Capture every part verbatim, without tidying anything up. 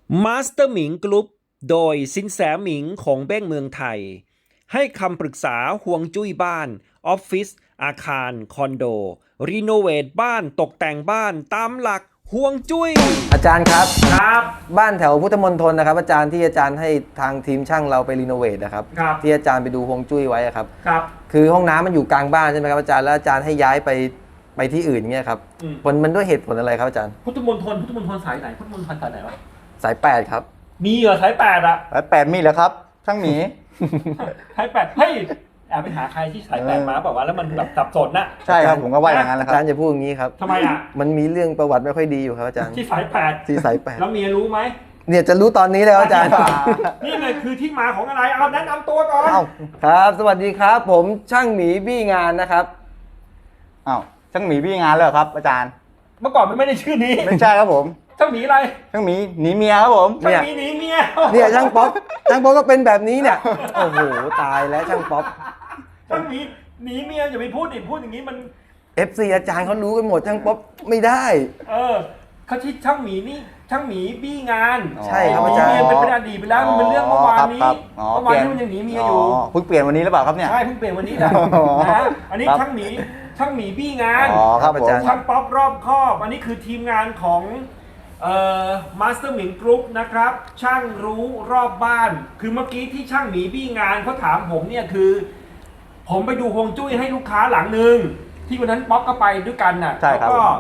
มาสเตอร์หมิงกรุ๊ปโดยสินแสหมิงของเบ้งเมืองไทยให้คำปรึกษาฮวงจุ้ยบ้านออฟฟิศอาคารคอนโดรีโนเวทบ้านตกแต่งบ้านตามหลักฮวงจุ้ยอาจารย์ครับครับบ้านแถวพุทธมณฑลนะครับอาจารย์ที่อาจารย์ให้ทางทีมช่างเราไปรีโนเวทนะครับครับที่อาจารย์ไปดูฮวงจุ้ยไว้ครับครับคือห้องน้ำมันอยู่กลางบ้านใช่ไหมครับอาจารย์แล้วอาจารย์ให้ย้ายไปไปที่อื่นเงี้ยครับผลมันด้วยเหตุผลอะไรครับอาจารย์พุทธมณฑลพุทธมณฑลสายไหนพุทธมณฑลสายไหนวะสายแปดครับมีเหรอสายแปดอะสายแปดมีเหรอครับช่างหมีสายแปดเฮ้ยแอบไปหาใครที่สายแปดมาบอกว่าแล้วมันแบบสับสนน่ะใช่ครับผมก็ว่าอย่างนั้นแหละคอารับจารย์จะพูดอย่างนี้ครับทำไมอะมันมีเรื่องประวัติไม่ค่อยดีอยู่ครับอาจารย์ที่สายแปดที่สายแปดแล้วเมียรู้ไหมเนี่ยจะรู้ตอนนี้แล้วอาจารย์นี่ไงคือที่มาของอะไรเอาแนะนำตัวก่อนครับสวัสดีครับผมช่างหมีบี้งานนะครับอ้าวช่างหมีพี่งานเลยครับอาจารย์เมื่อก่อนมันไม่ได้ชื่อนี้ไม่ใช่ครับผมช่างหมีอะไรช่างหมีหนีเมียครับผมช่างหมีหนีเมียเนี่ยช่างป๊อปช่างป๊อปก็เป็นแบบนี้เนี่ยโอ้โหตายแล้วช่างป๊อปช่างหมีหนีเมียอย่าไปพูดดิพูดอย่างนี้มันเอฟ ซี อาจารย์เขารู้กันหมดช่างป๊อปไม่ได้เออเขาชื่อช่างหมีนี่ช่างหมีบี้งานใช่ครับอาจารย์เมียเป็นเป็นอดีตไปแล้วมันเป็นเรื่องเมื่อวานนี้เมื่อวานนี้มันยังหนีเมียอยู่เพิ่งเปลี่ยนวันนี้หรือเปล่าครับเนี่ยใช่เพิ่งเปลี่ยนวันนี้แหละนะอันนี้ช่างหมีช่างหมีบี้งานอ๋อครับอาจารย์ช่างป๊อปรอบคอบอันนี้คือทีมงานของเอ่อมาสเตอร์หมิงกรุ๊ปนะครับช่างรู้รอบบ้านคือเมื่อกี้ที่ช่างหมีบี้งานเขาถามผมเนี่ยคือผมไปดูฮวงจุ้ยให้ลูกค้าหลังหนึ่งที่วันนั้นป๊อปก็ไปด้วยกันน่ะแล้วก็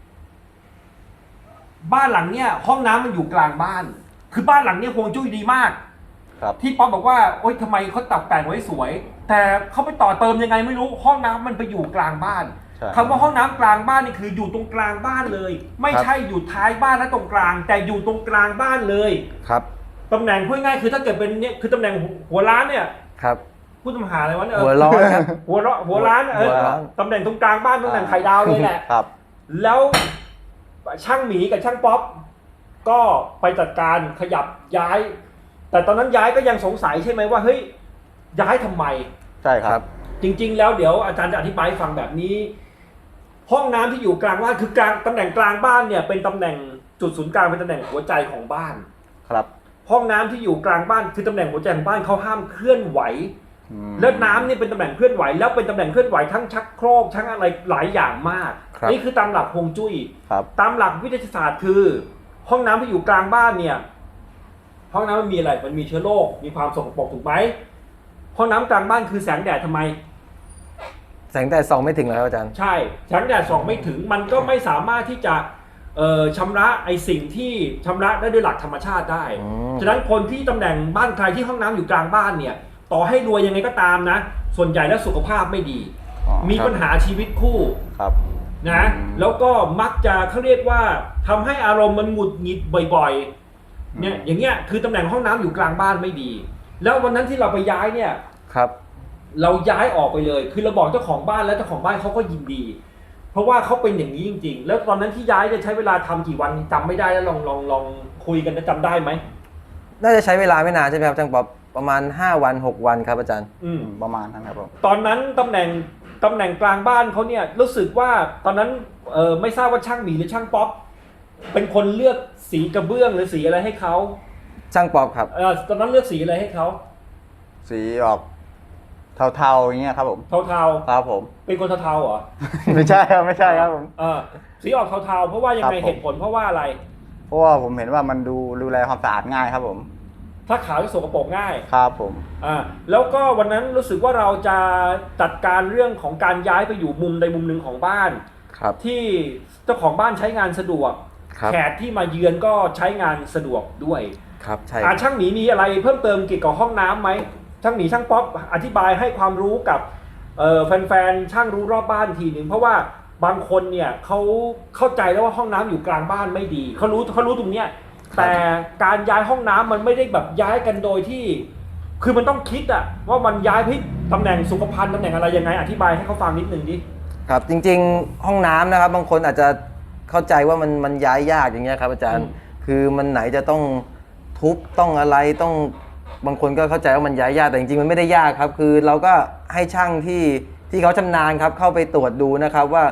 บ้านหลังเนี้ยห้องน้ำมันอยู่กลางบ้านคือบ้านหลังเนี้ยฮวงจุ้ยดีมากที่ป๊อปบอกว่าโอ๊ยทำไมเขาตัดแต่งไว้สวยแต่เขาไปต่อเติมยังไงไม่รู้ห้องน้ำมันไปอยู่กลางบ้านคำว่าห้องน้ำกลางบ้านนี่คืออยู่ตรงกลางบ้านเลยไม่ใช่อยู่ท้ายบ้านและตรงกลางแต่อยู่ตรงกลางบ้านเลยครับตำแหน่งพูดง่ายคือถ้าเกิดเป็นเนี่ยคือตำแหน่งหัวร้านเนี่ยครับพูดตำหาอะไรวะเนี่ยหัวร้อนครับหัวร้อนหัวร้านเออตำแหน่งตรงกลางบ้านตำแหน่งไข่ดาวเลยแหละครับแล้วช่างหมีกับช่างป๊อปก็ไปจัดการขยับย้ายแต่ตอนนั้นย้ายก็ยังสงสัยใช่ไหมว่าเฮ้ยย้ายทำไมใช่ครับจริงๆแล้วเดี๋ยวอาจารย์จะอธิบายฟังแบบนี้ห้องน้ำที่อยู่กลางบ้านคือกลางตำแหน่งกลางบ้านเนี่ยเป็นตำแหน่งจุดศูนย์กลางเป็นตำแหน่งหัวใจของบ้านครับห้องน้ำที่อยู่กลางบ้านคือตำแหน่งหัวใจของบ้านเขาห้ามเคลื่อนไหวแล้วน้ำนี่เป็นตำแหน่งเคลื่อนไหวแล้วเป็นตำแหน่งเคลื่อนไหวทั้งชักโครกทั้งอะไรหลายอย่างมากนี่คือตามหลักฮวงจุ้ยตามหลักวิทยาศาสตร์คือห้องน้ำที่อยู่กลางบ้านเนี่ยห้องน้ำมันมีอะไรมันมีเชื้อโรคมีความสกปรกถูกไหมห้องน้ำกลางบ้านคือแสงแดดทำไมแสงแดดส่องไม่ถึงแล้วอาจารย์ใช่แสงแดดส่องไม่ถึงมันก็ไม่สามารถที่จะเอ่อชำระไอสิ่งที่ชำระได้ด้วยหลักธรรมชาติได้ฉะนั้นคนที่ตำแหน่งบ้านใครที่ห้องน้ำอยู่กลางบ้านเนี่ยต่อให้รวยยังไงก็ตามนะส่วนใหญ่แล้วสุขภาพไม่ดีมีปัญหาชีวิตคู่นะแล้วก็มักจะเขาเรียกว่าทำให้อารมณ์มันหงุดหงิดบ่อยๆเนี่ยอย่างเงี้ยคือตำแหน่งห้องน้ำอยู่กลางบ้านไม่ดีแล้ววันนั้นที่เราไปย้ายเนี่ยครับเราย้ายออกไปเลยคือเราบอกเจ้าของบ้านแล้วเจ้าของบ้านเขาก็ยินดีเพราะว่าเขาเป็นอย่างนี้จริงๆแล้วตอนนั้นที่ย้ายจะใช้เวลาทำกี่วันจำไม่ได้แล้วลองลองลองคุยกันจะจำได้ไหมน่าจะใช้เวลาไม่นานใช่ไหมครับช่างป๊อปประมาณห้าวันหกวันครับอาจารย์อืมประมาณนั้นครับผมตอนนั้นตำแหน่งตำแหน่งกลางบ้านเขาเนี่ยรู้สึกว่าตอนนั้นเออไม่ทราบว่าช่างหมีหรือช่างป๊อปเป็นคนเลือกสีกระเบื้องหรือสีอะไรให้เขาช่างป๊อปครับเออตอนนั้นเลือกสีอะไรให้เขาสีออกเทาๆอย่างเงี้ยครับผมเทาๆครับผมเป็นคนเทาๆเหรอไม่ใช่ครับไม่ใช่ครับผมเออสีออกเทาๆเพราะว่ายังไงเหตุผลเพราะว่าอะไรเพราะว่าผมเห็นว่ามันดูดูแลความสะอาดง่ายครับผมถ้าขาวจะสกปรกง่ายครับผมอ่าแล้วก็วันนั้นรู้สึกว่าเราจะจัดการเรื่องของการย้ายไปอยู่มุมใดมุมหนึ่งของบ้านครับที่เจ้าของบ้านใช้งานสะดวกแขกที่มาเยือนก็ใช้งานสะดวกด้วยครับใช่อ่าช่างหมีมีอะไรเพิ่มเติมเกี่ยวกับห้องน้ำไหมช่างหมีช่างป๊อปอธิบายให้ความรู้กับเอ่อแฟนๆช่างรู้รอบบ้านทีหนึ่งเพราะว่าบางคนเนี่ยเขาเข้าใจแล้วว่าห้องน้ำอยู่กลางบ้านไม่ดีเขารู้เขารู้ตรงเนี้ยแต่การย้ายห้องน้ำมันไม่ได้แบบย้ายกันโดยที่คือมันต้องคิดอะว่ามันย้ายพิตำแหน่งสุขภัณฑ์ตำแหน่งอะไรยังไงอธิบายให้เขาฟังนิดนึงดิครับจริงๆห้องน้ำนะครับบางคนอาจจะเข้าใจว่ามันมันย้ายยากอย่างเงี้ยครับอาจารย์คือมันไหนจะต้องทุบต้องอะไรต้องบางคนก็เข้าใจว่ามันย้ายยากแต่จริงๆมันไม่ได้ยากครับคือเราก็ให้ช่างที่ที่เขาชำนาญครับเข้าไปตรวจดูนะครับว่า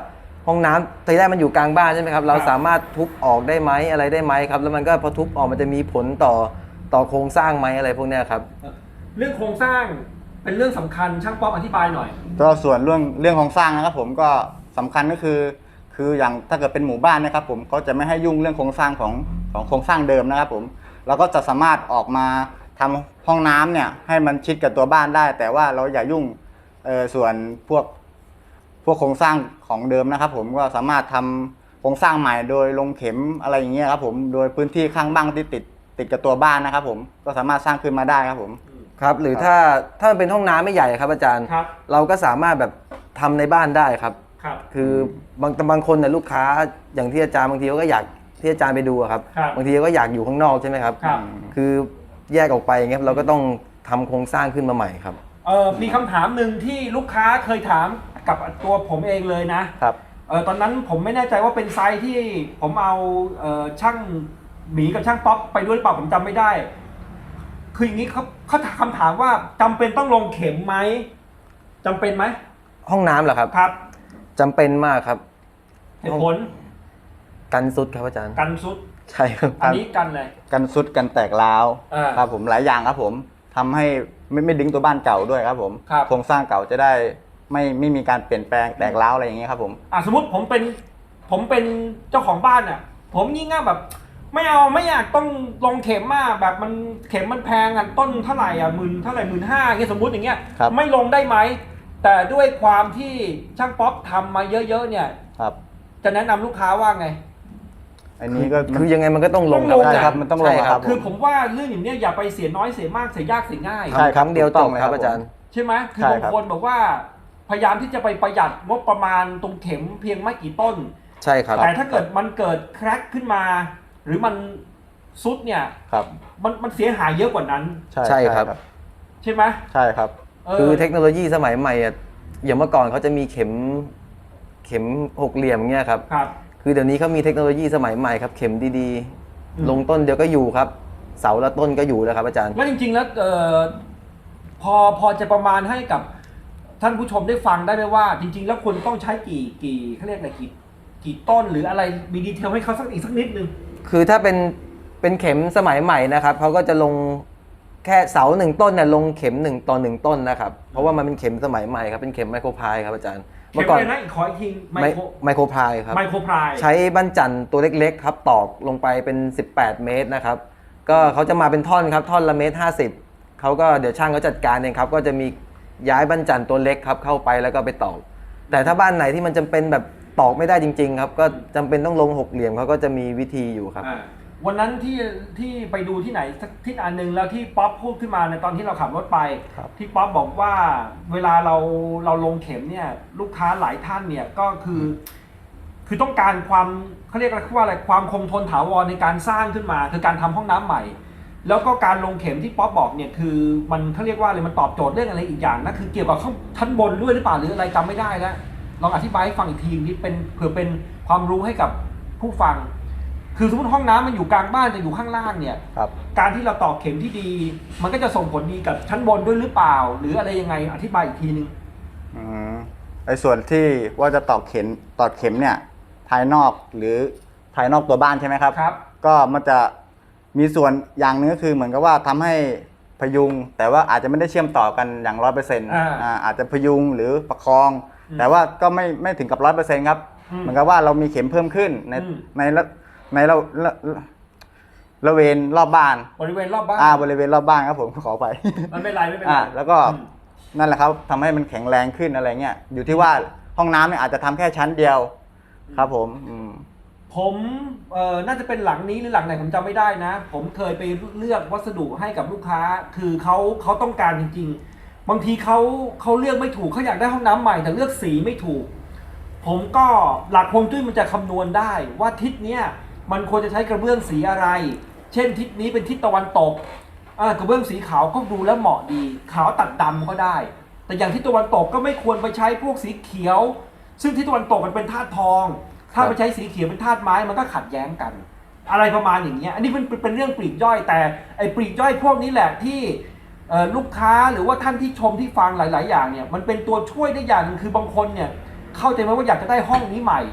ห้องน้ำทีแรกมันอยู่กลางบ้านใช่ไหมครับเราครับสามารถทุบออกได้ไหมอะไรได้ไหมครับแล้วมันก็พอทุบออกมันจะมีผลต่อต่อโครงสร้างไหมอะไรพวกเนี้ยครับเรื่องโครงสร้างเป็นเรื่องสำคัญช่างป๊อปอธิบายหน่อยก็ส่วนเรื่องเรื่องของสร้างนะครับผมก็สำคัญก็คือ คืออย่างถ้าเกิดเป็นหมู่บ้านนะครับผมก็จะไม่ให้ยุ่งเรื่องโครงสร้างของของโครงสร้างเดิมนะครับผมเราก็จะสามารถออกมาทำห้องน้ำเนี่ยให้มันชิดกับตัวบ้านได้ แต่ว่าเราอย่ายุ่งเออส่วนพวกพวกโครงสร้างของเดิมนะครับผมก็สามารถทำโครงสร้างใหม่โดยลงเข็มอะไรอย่างเงี้ยครับผมโดยพื้นที่ข้างบ้านที่ติดติดกับตัวบ้านนะครับผมก็สามารถสร้างขึ้นมาได้ครับผมครับหรือถ้าถ้ามันเป็นห้องน้ำไม่ใหญ่ครับอาจารย์ครับเราก็สามารถแบบทำในบ้านได้ครับครับคือบางบางคนเนี่ยลูกค้าอย่างที่อาจารย์บางทีเขาก็อยากที่อาจารย์ไปดูอะครับครับบางทีก็อยากอยู่ข้างนอกใช่ไหมครับครับคือแยกออกไปอย่างเงี้ยเราก็ต้องทำโครงสร้างขึ้นมาใหม่ครับเออมีคำถามหนึ่งที่ลูกค้าเคยถามกับตัวผมเองเลยนะครับ เออตอนนั้นผมไม่แน่ใจว่าเป็นไซส์ที่ผมเอาเออช่างหมีกับช่างป๊อปไปด้วยหรือเปล่าผมจำไม่ได้ คืออย่างนี้เขาเขาถามคำถามว่าจำเป็นต้องลงเข็มไหมจำเป็นไหมห้องน้ำเหรอครับครับจำเป็นมากครับเหตุผลกันซุดครับอาจารย์กันซุดใช่ครับอันนี้กันเลยกันซุดกันแตกร้าวอ่าครับผมหลายอย่างครับผมทำให้ไม่ไม่ดึงตัวบ้านเก่าด้วยครับผมครับโครงสร้างเก่าจะได้ไม่ไม่มีการเปลี่ยนแปลงแตกร้าวอะไรอย่างเงี้ยครับผมอ่ะสมมติผมเป็นผมเป็นเจ้าของบ้านอ่ะผมยิ่งง่ายแบบ ไม่เอาไม่อยากต้องลงเข็มมากแบบมันเข็มมันแพงอ่ะต้นเท่าไหร่อ่ะหมื่นเท่าไหร่หมื่นห้าเงี้ยสมมติอย่างเงี้ยครับไม่ลงได้ไหมแต่ด้วยความที่ช่างป๊อปทำมาเยอะๆเนี่ยครับจะแนะนำลูกค้าว่าไงอันนี้ก็คือยังไงมันก็ต้องลงต้องลงใช่อาจาย์ครับมันต้องลงใช่ครับคือผมว่าเรื่องอย่างเนี้ยอย่าไปเสียน้อยเสียมากเสียยากเสียง่ายใช่ทำครั้งเดียวถูกจต้องบเลยครับครับอาจารย์ใช่ไหมคือใช่บางครับคนบอกว่าพยายามที่จะไปประหยัดงบประมาณตรงเข็มเพียงไม่กี่ต้นใช่ครับแต่ถ้าเกิดมันเกิดแคร็กขึ้นมา หรือมันซุดเนี่ยครับมันมันเสียหายเยอะกว่านั้นใช่ครับใช่ไหมใช่ครับเออคือเทคโนโลยีสมัยใหม่อะอย่างเมื่อก่อนเขาจะมีเข็มเข็มหกเหลี่ยมเงี้ยครับครับคือเดี๋ยวนี้เขามีเทคโนโลยีสมัยใหม่ครับเข็มดีอืมๆ ลงต้นเดียวก็อยู่ครับ เสาละต้นก็อยู่แล้วครับอาจารย์แล้วจริงๆแล้วเออพอพอจะประมาณให้กับท่านผู้ชมได้ฟังได้ไหมว่า จริง ๆ แล้วควรต้องใช้กี่กี่เขาเรียกอะไรกี่กี่ต้นหรืออะไรมีดีเทลให้เขาสักอีกสักนิดนึงคือถ้าเป็นเป็นเข็มสมัยใหม่นะครับเขาก็จะลงแค่เสาหนึ่งต้นเนี่ยลงเข็มหนึ่งต่อหนึ่งต้นนะครับเพราะว่ามันเป็นเข็มสมัยใหม่ครับเป็นเข็มไมโครพายครับอาจารย์เข็มอะไรนะอีกขออีกทีไมไมโครไมโครพายครับไมโครพรายใช้บั้นจันทร์ตัวเล็กๆครับตอกลงไปเป็นสิบแปดเมตรนะครับก็เขาจะมาเป็นท่อนครับท่อนละเมตรห้าสิบเขาก็เดี๋ยวช่างเขาจัดการเองครับก็จะมีย้ายบั้นจันทร์ตัวเล็กครับเข้าไปแล้วก็ไปตอกแต่ถ้าบ้านไหนที่มันจำเป็นแบบตอกไม่ได้จริงๆครับก็จำเป็นต้องลงหกเหลี่ยมเขาก็จะมีวิธีอยู่ครับอ่าวันนั้นที่ที่ไปดูที่ไหนสักที่อันหนึ่งแล้วที่ป๊อปพูดขึ้นมาในตอนที่เราขับรถไปครับที่ป๊อปบอกว่าเวลาเราเราลงเข็มเนี่ยลูกค้าหลายท่านเนี่ยก็คือ คือต้องการความเขาเรียกว่าอะไรความคงทนถาวรในการสร้างขึ้นมา คือการทำห้องน้ำใหม่ แล้วก็การลงเข็มที่ป๊อปบอกเนี่ยคือมันเขาเรียกว่าอะไรมันตอบโจทย์เรื่องอะไรอีกอย่างนะคือเกี่ยวกับข้างชั้นบนด้วยหรือเปล่าหรืออะไรจำไม่ได้แล้วลองอธิบายให้ฟังอีกทีนิดเป็นเผื่อเป็นความรู้ให้กับผู้ฟัง คือสมมติห้องน้ำมันอยู่กลางบ้านแต่อยู่ข้างล่างเนี่ยครับการที่เราตอกเข็มที่ดี มันก็จะส่งผลดีกับชั้นบนด้วยหรือเปล่า หรืออะไรยังไงอธิบายอีกทีนึงอืมไอ้ส่วนที่ว่าจะตอกเข็มตอกเข็มเนี่ยภายนอกหรือภายนอกตัวบ้านใช่ไหมครับครับก็มันจะมีส่วนอย่างหนึงก็คือเหมือนกับว่าทำให้พยุง แต่ว่าอาจจะไม่ได้เชื่อมต่อกันอย่างร้อยเปอร์เซ็นต์อ่าอาจจะพยุงหรือประคองอืมแต่ว่าก็ไม่ไม่ถึงกับร้อยเปอร์เซ็นต์ครับอืมเหมือนกับว่าเรามีเข็มเพิ่มขึ้นในอืมในละในเราละละเวนรอบบ้านบริเวณรอบบ้านอ่าบริเวณรอบบ้านครับผมขอไปมันไม่เป็นไรไม่เป็นไรอ่าแล้วก็อืมนั่นแหละครับทำให้มันแข็งแรงขึ้นอะไรเงี้ยอยู่ที่ว่าห้องน้ำเนี่ยอาจจะทำแค่ชั้นเดียวครับผมอืมผมเอ่อน่าจะเป็นหลังนี้หรือหลังไหนผมจำไม่ได้นะ ผมเคยไปเลือกวัสดุให้กับลูกค้า คือเขาเขาต้องการจริงๆ บางทีเขาเขาเลือกไม่ถูกเขาอยากได้ห้องน้ำใหม่แต่เลือกสีไม่ถูก ผมก็หลักฮวงจุ้ยมันจะคำนวณได้ว่าทิศเนี้ยมันควรจะใช้กระเบื้องสีอะไร เช่นทิศนี้เป็นทิศตะวันตกอ่ากระเบื้องสีขาวก็ดูแล้วเหมาะดี ขาวตัดดำก็ได้ แต่อย่างทิศตะวันตกก็ไม่ควรไปใช้พวกสีเขียว ซึ่งทิศตะวันตกมันเป็นธาตุทอง ถ้าไปใช้สีเขียวเป็นธาตุไม้มันก็ขัดแย้งกัน อะไรประมาณอย่างเงี้ยอันนี้เป็นเป็นเรื่องปลีกย่อย แต่ไอ้ปลีกย่อยพวกนี้แหละที่เอ่อลูกค้าหรือว่าท่านที่ชมที่ฟังหลาย ๆ อย่างเนี่ยมันเป็นตัวช่วยได้อย่างหนึงคือบางคนเนี่ยเข้าใจไหมว่าอยากจะได้ห้องนี้ใหม่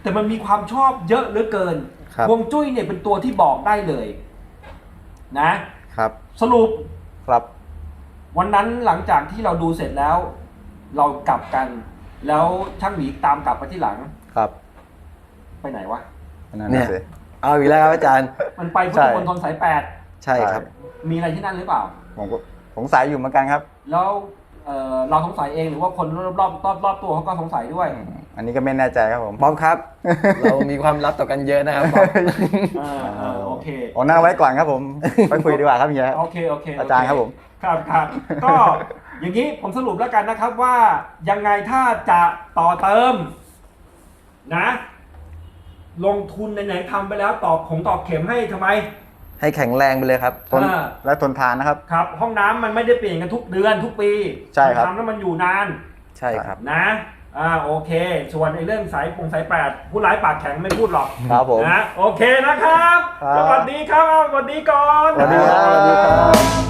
แต่มันมีความชอบเยอะเหลือเกินครับฮวงจุ้ยเนี่ยเป็นตัวที่บอกได้เลยนะครับ สรุปครับวันนั้นหลังจากที่เราดูเสร็จแล้ว เรากลับกัน แล้วช่างหมีตามกลับไปที่หลังครับไปไหนวะนั่นเนี่น่ะยสิเอาอีกแล้วครับอาจารย์มันไปพุทใช่ธมณฑลสายแปดใช่ครับมีอะไรที่นั่นหรือเปล่าผมก็สงสัยอยู่เหมือนกันครับแล้วเอ่อเราสงสัยเองหรือว่าคนรอบรอบรอบรอบตัวเขาก็สงสัยด้วยอันนี้ก็ไม่แน่ใจครับผมบ๊อบครับ เรามีความลับต่อกันเยอะนะครับบ๊อบเออเออโอเคโอ้นั่งไว้ก่อนครับผม ไปคุยดีกว่าครับเฮียโอเคโอเคโเคอาจารย์ครับผมครับครับ ก็อย่างนี้ผมสรุปแล้วกันนะครับว่ายังไงถ้าจะต่อเติมนะ ลงทุนไหนๆทำไปแล้วตอกของตอกเข็มให้ทำไมให้แข็งแรงไปเลยครับทนอ่าและทนทานนะครับครับ ห้องน้ำมันไม่ได้เปลี่ยนกันทุกเดือนทุกปีใช่ครับทำแล้วมันอยู่นานใช่ครับนะอ่าโอเค ส่วนในเรื่องสายปงสายแปดผู้ร้ายปากแข็งไม่พูดหรอกครับผมนะโอเคนะครับครับสวัสดีครับสวัสดีก่อนสวัสดีครับสวัสดีครับ